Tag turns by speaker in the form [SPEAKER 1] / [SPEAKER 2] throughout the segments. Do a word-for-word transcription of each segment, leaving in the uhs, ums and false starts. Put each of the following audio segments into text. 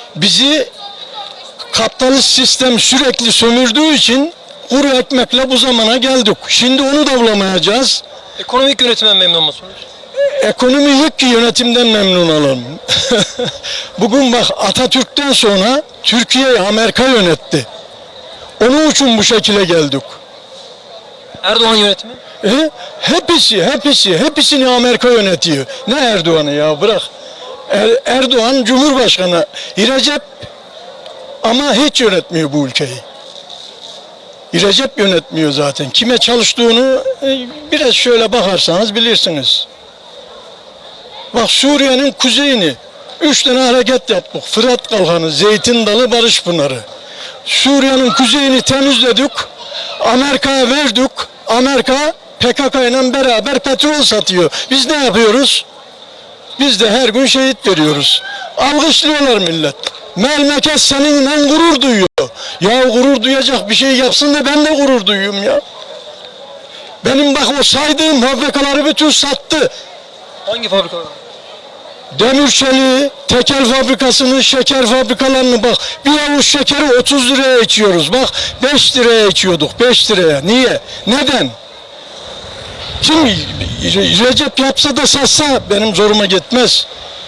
[SPEAKER 1] Bizi kapitalist sistem sürekli sömürdüğü için kuru ekmekle bu zamana geldik. Şimdi onu da bulamayacağız.
[SPEAKER 2] Ekonomik yönetimden memnun musunuz?
[SPEAKER 1] Ekonomi yok ki yönetimden memnun olalım. Bugün bak Atatürk'ten sonra Türkiye'yi Amerika yönetti. Onun için bu şekilde geldik.
[SPEAKER 2] Erdoğan yönetimi?
[SPEAKER 1] E, hepsi, hepsi, hepsini Amerika yönetiyor. Ne Erdoğan'ı ya bırak. Er, Erdoğan Cumhurbaşkanı. Recep ama hiç yönetmiyor bu ülkeyi. Recep yönetmiyor zaten. Kime çalıştığını e, biraz şöyle bakarsanız bilirsiniz. Bak Suriye'nin kuzeyini üç tane hareket yaptık. Fırat Kalkanı, Zeytin Dalı, Barış Pınarı. Suriye'nin kuzeyini temizledik. Amerika'ya verdik. Amerika P K K ile beraber petrol satıyor. Biz ne yapıyoruz? Biz de her gün şehit veriyoruz. Alkışlıyorlar millet. Memleket seninle gurur duyuyor. Ya gurur duyacak bir şey yapsın da ben de gurur duyuyorum ya. Benim bak o saydığım fabrikaları bütün sattı.
[SPEAKER 2] Hangi fabrikalar?
[SPEAKER 1] Demir çeliği, tekel fabrikasını, şeker fabrikalarını bak. Bir avuç şekeri otuz liraya içiyoruz. Bak beş liraya içiyorduk. beş liraya. Niye? Neden? Kim Recep yapsa da satsa benim zoruma gitmez.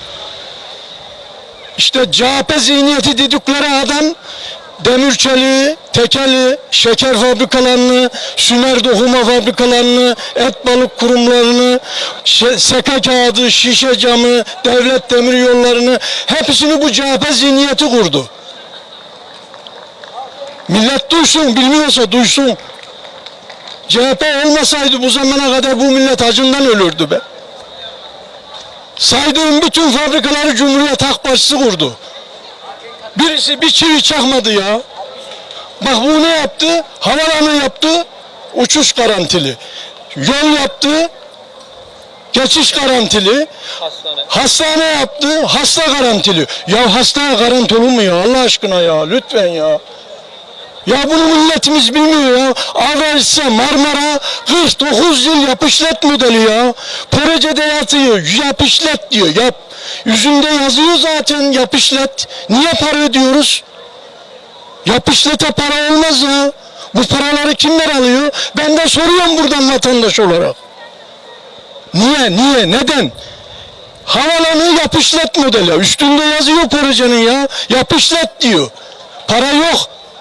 [SPEAKER 1] İşte C H P zihniyeti dedikleri adam demir çeliği, tekeli, şeker fabrikalarını, sümer dokuma fabrikalarını, et balık kurumlarını, seka kağıdı, şişe camı, devlet demir yollarını hepsini bu C H P zihniyeti kurdu. Millet duysun, bilmiyorsa duysun. C H P olmasaydı bu zamana kadar bu millet acından ölürdü be. Saydığım bütün fabrikaları Cumhuriyet Halk Partisi kurdu. Birisi bir çivi çakmadı ya. Bak bu ne yaptı? Havalanı yaptı, uçuş garantili. Yol yaptı, geçiş garantili.
[SPEAKER 2] Hastane.
[SPEAKER 1] Hastane yaptı, hasta garantili. Ya hastaya garanti olur mu ya Allah aşkına ya lütfen ya. Ya bunu milletimiz bilmiyor ya. Avrasya Marmara kırk dokuz yıl yapışlet modeli ya. Projede yatıyor, yapışlet diyor. Yap. Yüzünde yazıyor zaten yapışlet. Niye para ödüyoruz? Yapışlete para olmaz ya. Bu paraları kimler alıyor? Ben de soruyorum buradan vatandaş olarak. Niye, niye, neden? Havalanı yapışlet modeli. Üstünde yazıyor projenin ya. Yapışlet diyor. Para yok.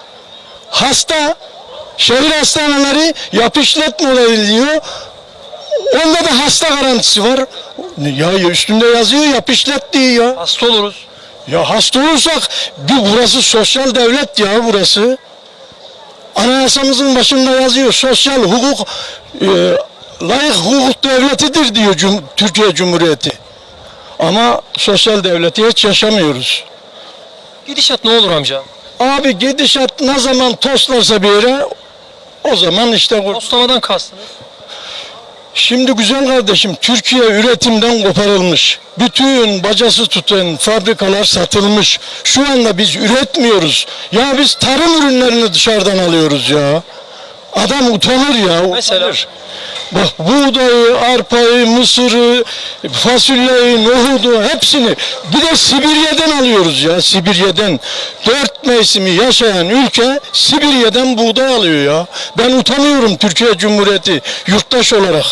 [SPEAKER 1] Hasta, şehir hastaneleri yapışlet modeli diyor. Onda da hasta garantisi var. Ya üstünde yazıyor yapışlet diyor ya.
[SPEAKER 2] Hasta oluruz.
[SPEAKER 1] Ya hasta olursak bir burası sosyal devlet ya burası. Anayasamızın başında yazıyor sosyal hukuk e, layık hukuk devletidir diyor Cum Türkiye Cumhuriyeti. Ama sosyal devleti hiç yaşamıyoruz.
[SPEAKER 2] Gidişat ne olur amca?
[SPEAKER 1] Abi gidişat ne zaman toslarsa bir yere o zaman işte...
[SPEAKER 2] Toslamadan kastınız?
[SPEAKER 1] Şimdi güzel kardeşim Türkiye üretimden koparılmış. Bütün bacası tutan fabrikalar satılmış. Şu anda biz üretmiyoruz. Ya biz tarım ürünlerini dışarıdan alıyoruz ya. Adam utanır ya. Utanır.
[SPEAKER 2] Mesela?
[SPEAKER 1] Bak buğdayı, arpayı, mısırı, fasulyeyi, nohudu hepsini bir de Sibirya'dan alıyoruz ya Sibirya'dan. Dört mevsimi yaşayan ülke Sibirya'dan buğday alıyor ya. Ben utanıyorum Türkiye Cumhuriyeti yurttaş olarak.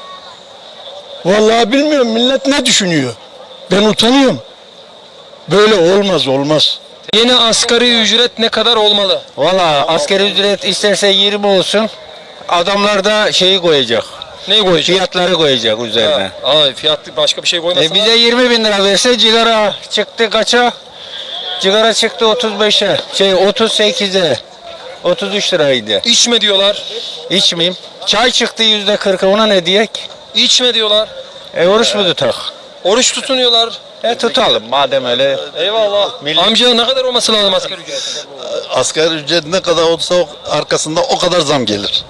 [SPEAKER 1] Vallahi bilmiyorum millet ne düşünüyor. Ben utanıyorum. Böyle olmaz olmaz.
[SPEAKER 2] Yeni asgari ücret ne kadar olmalı?
[SPEAKER 3] Valla asgari ücret isterse yirmi olsun. Adamlar da şeyi koyacak.
[SPEAKER 2] Neyi koyacak?
[SPEAKER 3] Fiyatları koyacak üzerine.
[SPEAKER 2] Ha, Aa, fiyat başka bir şey koymasa.
[SPEAKER 3] E bize yirmi bin lira verse cigara çıktı kaça? Cigara çıktı otuz beşe. Şey otuz sekize. otuz üç liraydı.
[SPEAKER 2] İçme diyorlar.
[SPEAKER 3] İçmeyeyim. Çay çıktı yüzde kırka ona ne diyek?
[SPEAKER 2] İçme diyorlar.
[SPEAKER 3] E oruç mu tutak?
[SPEAKER 2] Oruç tutunuyorlar.
[SPEAKER 3] E tutalım madem öyle.
[SPEAKER 2] Eyvallah.
[SPEAKER 3] Millet-
[SPEAKER 2] Amca ne kadar olması lazım asgari ücret?
[SPEAKER 4] Asgari ücret ne kadar olsa o- arkasında o kadar zam gelir.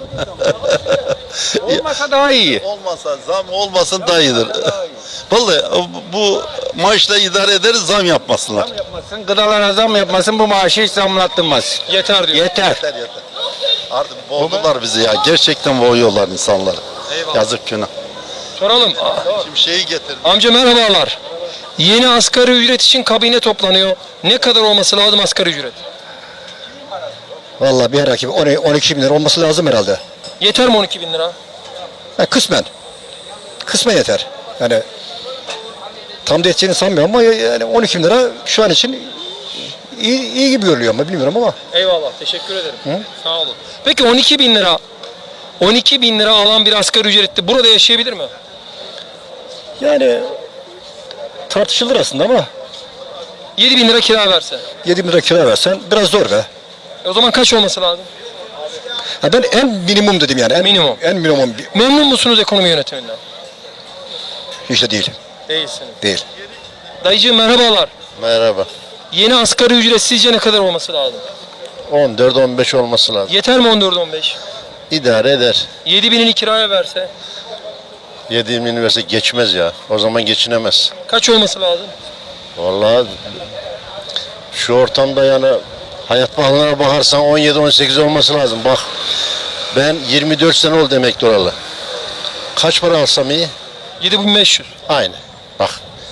[SPEAKER 3] Olmasa daha iyi.
[SPEAKER 4] Olmasa zam olmasın daha iyidir. Vallahi bu maaşla idare ederiz zam yapmasınlar.
[SPEAKER 3] Yapmasın, gıdalara zam yapmasın bu maaşı hiç zamlattırmaz.
[SPEAKER 2] Yeter diyor.
[SPEAKER 3] Yeter.
[SPEAKER 4] Yeter yeter. Artık boğdular bizi ya. Gerçekten boğuyorlar insanları.
[SPEAKER 2] Eyvallah.
[SPEAKER 4] Yazık günah.
[SPEAKER 2] Soralım.
[SPEAKER 4] Şimdi şeyi getir.
[SPEAKER 2] Amca merhabalar. Yeni asgari ücret için kabine toplanıyor. Ne kadar olması lazım asgari ücret?
[SPEAKER 5] Vallahi bir herhalde on iki bin lira olması lazım herhalde.
[SPEAKER 2] Yeter mi on iki bin lira?
[SPEAKER 5] Ha, kısmen. Kısmen yeter. Yani tam da yeteceğini sanmıyorum ama yani on iki bin lira şu an için iyi, iyi gibi görülüyor ama bilmiyorum ama.
[SPEAKER 2] Eyvallah, teşekkür ederim. Sağ olun. Peki on iki bin lira, on iki bin lira alan bir asgari ücretli burada yaşayabilir mi?
[SPEAKER 5] Yani tartışılır aslında ama
[SPEAKER 2] yedi bin lira kira verse.
[SPEAKER 5] yedi bin lira kira versen biraz zor be.
[SPEAKER 2] E o zaman kaç olması lazım?
[SPEAKER 5] Ha, ben en minimum dedim yani. En,
[SPEAKER 2] Minimum.
[SPEAKER 5] En minimum bir-
[SPEAKER 2] Memnun musunuz ekonomi yönetiminden?
[SPEAKER 5] hiç de değil.
[SPEAKER 2] Değilsiniz.
[SPEAKER 5] Değil.
[SPEAKER 2] Dayıcığım merhabalar.
[SPEAKER 4] Merhaba.
[SPEAKER 2] Yeni asgari ücret sizce ne kadar olması lazım?
[SPEAKER 4] on dört on beş olması lazım.
[SPEAKER 2] Yeter mi on dört on beş?
[SPEAKER 4] İdare eder.
[SPEAKER 2] yedi binini kiraya verse
[SPEAKER 4] yedi bin verse geçmez ya. O zaman geçinemez.
[SPEAKER 2] kaç olması lazım?
[SPEAKER 4] Vallahi şu ortamda yani hayat pahalılığına bakarsan on yedi on sekiz olması lazım. Bak ben yirmi dört sene oldu emekli olalı. Kaç para alsam iyi?
[SPEAKER 2] yedi bin beş yüz.
[SPEAKER 4] Aynı. Bak.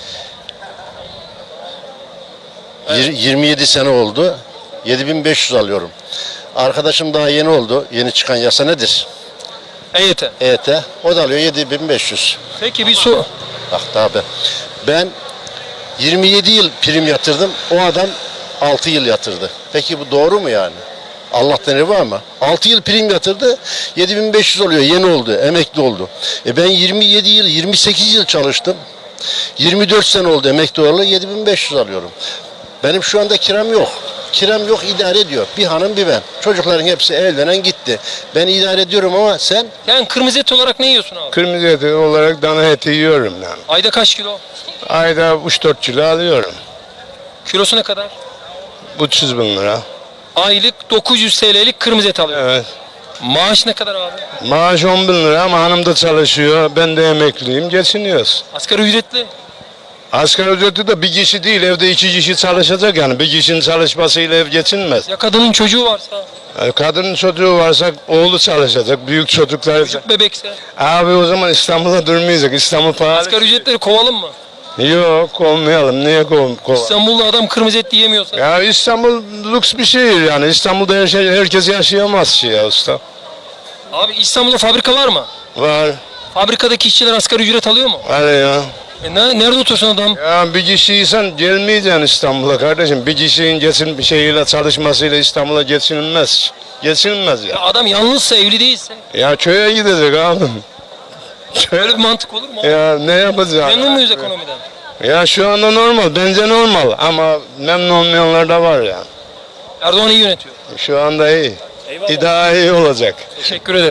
[SPEAKER 4] Yir- yirmi yedi sene oldu. yedi bin beş yüz alıyorum. Arkadaşım daha yeni oldu. Yeni çıkan yasa nedir?
[SPEAKER 2] E Y T.
[SPEAKER 4] E Y T. O da alıyor yedi bin beş yüz.
[SPEAKER 2] Peki bir soru.
[SPEAKER 4] Bak daha ben. Ben yirmi yedi yıl prim yatırdım. O adam altı yıl yatırdı. Peki bu doğru mu yani? Allah'tan evi var mı? altı yıl prim yatırdı. yedi bin beş yüz oluyor. Yeni oldu. Emekli oldu. E ben yirmi yedi yıl, yirmi sekiz yıl çalıştım. yirmi dört sene oldu emekli olalı. yedi bin beş yüz alıyorum. Benim şu anda kiram yok. Kiram yok, idare ediyor. Bir hanım bir ben. Çocukların hepsi evlenen gitti. Ben idare ediyorum ama sen
[SPEAKER 2] Yani kırmızı et olarak ne yiyorsun abi?
[SPEAKER 6] Kırmızı eti olarak dana eti yiyorum yani.
[SPEAKER 2] Ayda kaç kilo?
[SPEAKER 6] Ayda üç dört kilo alıyorum.
[SPEAKER 2] Kilosu ne kadar?
[SPEAKER 6] üç yüz bin lira.
[SPEAKER 2] Aylık dokuz yüz T L'lik kırmızı et alıyor.
[SPEAKER 6] Evet.
[SPEAKER 2] Maaş ne kadar abi?
[SPEAKER 6] Maaş on bin lira ama hanım da çalışıyor. Ben de emekliyim. Geçiniyoruz.
[SPEAKER 2] Asgari ücretli.
[SPEAKER 6] Asgari ücreti de bir kişi değil. Evde iki kişi çalışacak yani. Bir kişinin çalışmasıyla ev geçinmez.
[SPEAKER 2] Ya kadının çocuğu varsa,
[SPEAKER 6] Yani kadının çocuğu varsa oğlu çalışacak. Büyük çocuklar.
[SPEAKER 2] çocuk bebekse.
[SPEAKER 6] Abi o zaman İstanbul'da durmayacak. İstanbul pahalı.
[SPEAKER 2] Asgari ücretleri kovalım mı?
[SPEAKER 6] Yok kovmayalım. Niye kov kov?
[SPEAKER 2] İstanbul'da adam kırmızı et yiyemiyorsa.
[SPEAKER 6] Ya İstanbul lüks bir şehir yani. İstanbul'da her şey, herkes yaşayamaz ki ya usta.
[SPEAKER 2] Abi İstanbul'da fabrika var mı?
[SPEAKER 6] Var.
[SPEAKER 2] Fabrikadaki işçiler asgari ücret alıyor mu?
[SPEAKER 6] Hadi ya.
[SPEAKER 2] E ne, nerede otursun adam?
[SPEAKER 6] Ya bir kişiysen gelmeyeceksin İstanbul'a kardeşim. Bir kişinin geçin bir şeyiyle çalışmasıyla İstanbul'a geçinilmez. Geçinilmez
[SPEAKER 2] Ya
[SPEAKER 6] ya.
[SPEAKER 2] adam yalnızsa, evli değilse.
[SPEAKER 6] Ya köye gidecek abi.
[SPEAKER 2] Böyle bir mantık olur mu?
[SPEAKER 6] Ya ne yapacağız?
[SPEAKER 2] Memnun muyuz ekonomiden?
[SPEAKER 6] Ya şu anda normal. Bence normal. Ama memnun olmayanlar da var ya.
[SPEAKER 2] Erdoğan iyi yönetiyor.
[SPEAKER 6] Şu anda iyi.
[SPEAKER 2] Eyvallah.
[SPEAKER 6] Bir daha iyi olacak.
[SPEAKER 2] Teşekkür ederim.